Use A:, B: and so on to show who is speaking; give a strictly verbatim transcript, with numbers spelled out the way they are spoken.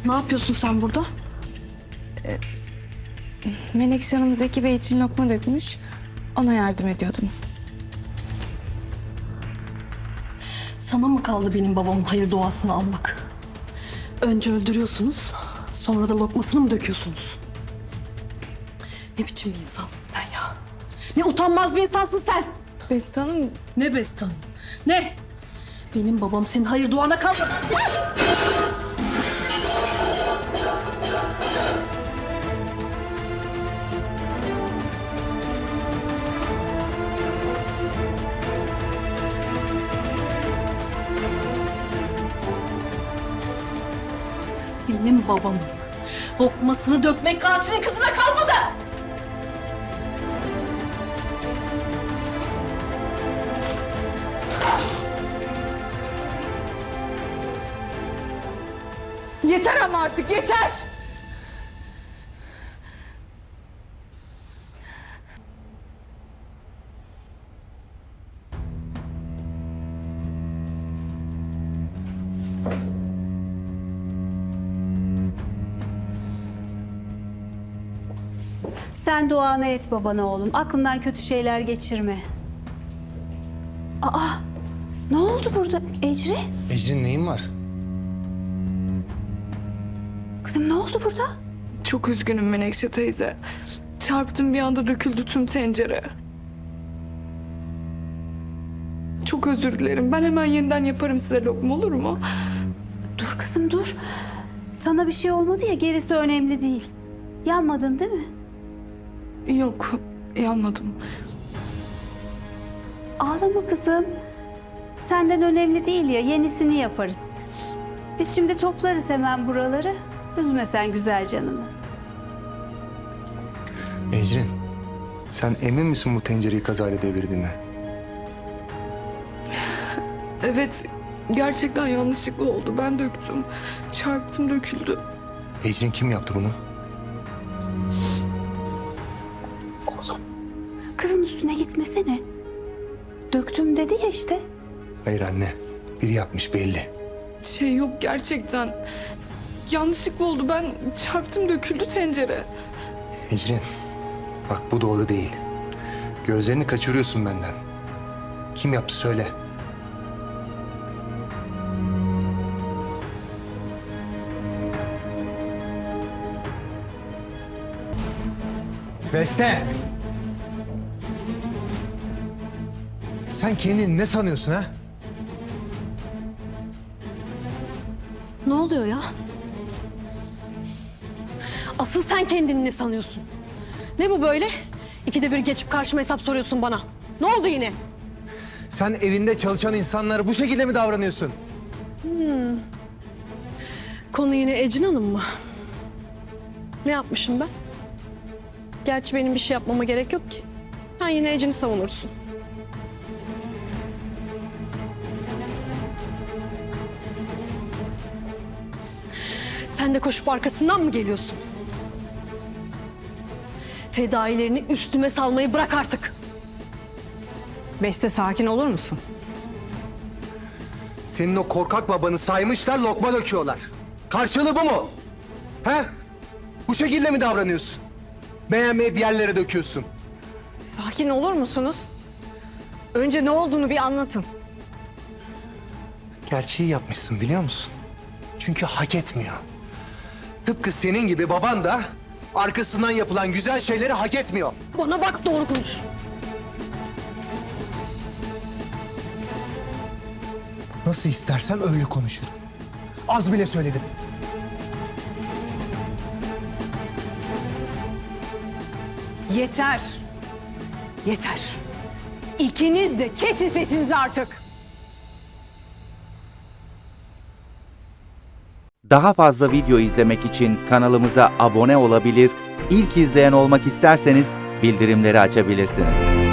A: Ne yapıyorsun sen burada?
B: Menekşe Hanım Zeki Bey için lokma dökmüş. Ona yardım ediyordum.
A: Sana mı kaldı benim babamın hayır duasını almak? Önce öldürüyorsunuz, sonra da lokmasını mı döküyorsunuz? Ne biçim bir insansın sen ya? Ne utanmaz bir insansın sen!
B: Beste Hanım,
A: Ne Bestan? Ne? Benim babam senin hayır duana kalmadı. Benim babamın lokmasını dökmek katilin kızına kalmadı.
C: Yeter ama artık yeter!
D: Sen duanı et babana oğlum. Aklından kötü şeyler geçirme. Aa, ne oldu burada Ecrin?
E: Ecrin neyin var?
D: Kızım ne oldu burada?
B: çok üzgünüm Menekşe teyze. Çarptım, bir anda döküldü tüm tencere. Çok özür dilerim. Ben hemen yeniden yaparım size lokma, olur mu?
D: Dur kızım dur. Sana bir şey olmadı ya, gerisi önemli değil. Yanmadın değil mi?
B: Yok, yanmadım.
D: Ağlama kızım. Senden önemli değil ya, yenisini yaparız. Biz şimdi toplarız hemen buraları. Üzme sen güzel canını.
E: Ecrin, sen emin misin bu tencereyi kazayla devirdiğine?
B: Evet, gerçekten yanlışlıkla oldu. Ben döktüm. Çarptım, döküldü.
E: Ecrin kim yaptı bunu?
D: Kızın üstüne gitmesene. Döktüm dedi ya işte.
E: Hayır anne, biri yapmış belli.
B: Şey yok, gerçekten. Yanlışlıkla oldu. Ben çarptım, döküldü tencere.
E: Ecrin, bak bu doğru değil. Gözlerini kaçırıyorsun benden. Kim yaptı söyle.
F: Beste! Sen kendini ne sanıyorsun ha?
A: Ne oluyor ya? Asıl sen kendini ne sanıyorsun? Ne bu böyle? İkide bir geçip karşıma hesap soruyorsun bana. Ne oldu yine?
F: Sen evinde çalışan insanlara bu şekilde mi davranıyorsun?
A: Konu yine Ecin Hanım mı? Ne yapmışım ben? Gerçi benim bir şey yapmama gerek yok ki. Sen yine Ecin'i savunursun. Sen de koşup arkasından mı geliyorsun? Fedailerini üstüme salmayı bırak artık.
C: Beste sakin olur musun?
F: Senin o korkak babanı saymışlar, lokma döküyorlar. Karşılığı bu mu? He? Bu şekilde mi davranıyorsun? Beğenmeyip yerlere döküyorsun.
C: Sakin olur musunuz? Önce ne olduğunu bir anlatın.
E: Gerçeği yapmışsın biliyor musun? Çünkü hak etmiyor. Tıpkı senin gibi baban da arkasından yapılan güzel şeyleri hak etmiyor.
A: Bana bak, doğru konuş.
F: Nasıl istersem öyle konuşurum. Az bile söyledim.
C: Yeter. Yeter. İkiniz de kesin sesinizi artık.
G: Daha fazla video izlemek için kanalımıza abone olabilir, ilk izleyen olmak isterseniz bildirimleri açabilirsiniz.